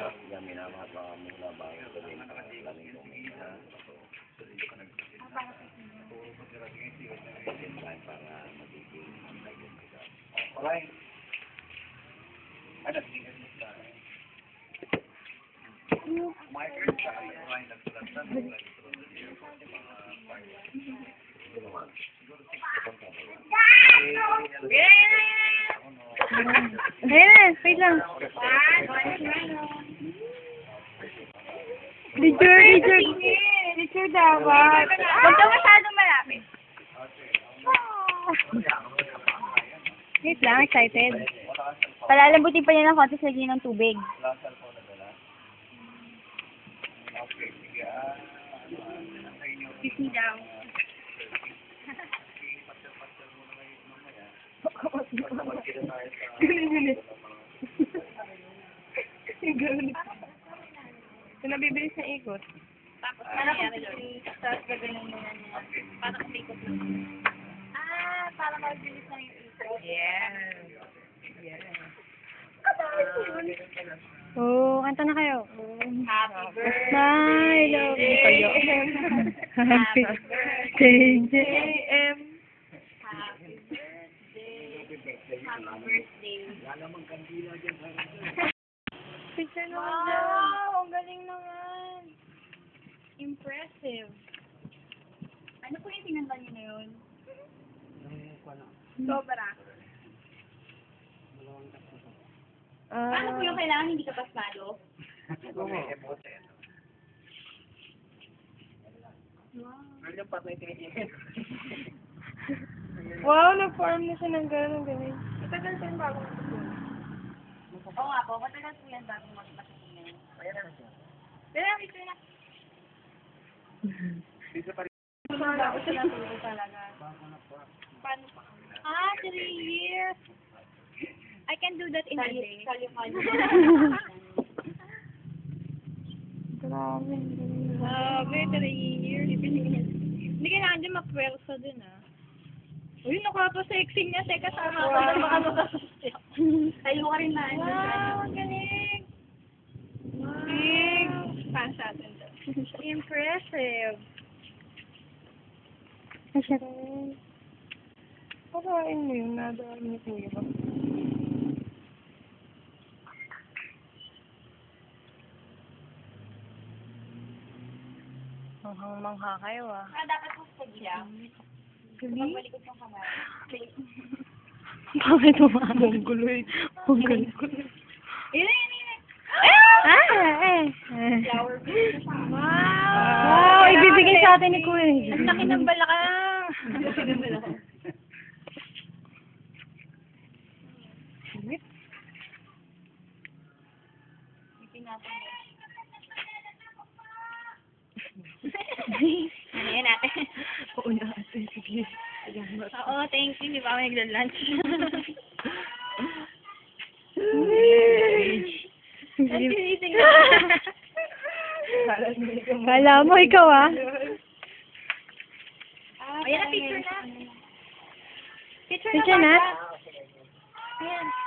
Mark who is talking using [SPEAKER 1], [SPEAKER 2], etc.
[SPEAKER 1] Yan, minamahal mga muna bago gawin ang laming kumita. Yan lang para magiging magiging kita. Alright. Ano, tingin mo sa akin? Michael, sa akin, ay nagsulatan mo lang ito ng
[SPEAKER 2] Ayan, wait lang. Picture dapat.
[SPEAKER 3] Huwag ka masyadong malapit.
[SPEAKER 2] Wait lang, excited. Palalambutin pa niya ng konti sa lagyan ng tubig.
[SPEAKER 3] Kiss me daw.
[SPEAKER 2] Ganun. Ganun. Kung nabibilis na ikot.
[SPEAKER 3] Tapos, ano nangyari doon? Tapos, gaganon mo na niya. Para kumikot lang. Ah, para mabilis na yung ikot.
[SPEAKER 2] Yes. Oh, kanta na kayo.
[SPEAKER 3] Happy birthday.
[SPEAKER 2] My love you. Happy birthday, JM.
[SPEAKER 3] Happy birthday. Happy birthday.
[SPEAKER 2] Picture naman dyan.
[SPEAKER 3] Wow, ang galing naman. Impressive. Ano po yung tinanda niyo na yun? Sobra. Ano po yung kailangan hindi ka pasmado?
[SPEAKER 2] Wow, nag-form na siya ng gano'n, galing.
[SPEAKER 3] Matagal po yung bago matutunan. Oo nga po, matagal po yan bago matutunan. Pero ito na. Bago siya natulog talaga. Paano pa? 3 years. I can do that in a day.
[SPEAKER 2] Grabe.
[SPEAKER 3] Grabe, 3 years. Hindi kailangan din mapwersa din, ah. Uy, nakapasexy niya. Teka, sama ako na baka makasasya. Tayo ka rin na. Wow, ang galing. Big. Paano sa atin doon? Impressive.
[SPEAKER 2] Ay, siya rin. Parain mo yun, nadaan ni Kuya ba? Manghang-mangha kayo, ah.
[SPEAKER 3] Dapat po sa gila. Magbalikot yung kamay.
[SPEAKER 2] Bakit umamong guloy? Guloy.
[SPEAKER 3] Yun. Flower base.
[SPEAKER 2] Wow, ibibigay sa atin ni Kuya.
[SPEAKER 3] Ang laki ng balakang. Ang laki ng balakang. Ano yan natin?
[SPEAKER 2] Oo na, ate. Sige.
[SPEAKER 3] Oo, thank you. Di ba ako nagla-lunch? Nagsinising na.
[SPEAKER 2] Kala mo, ikaw, ah.
[SPEAKER 3] Ayan na, picture na.
[SPEAKER 2] Picture na?
[SPEAKER 3] Ayan.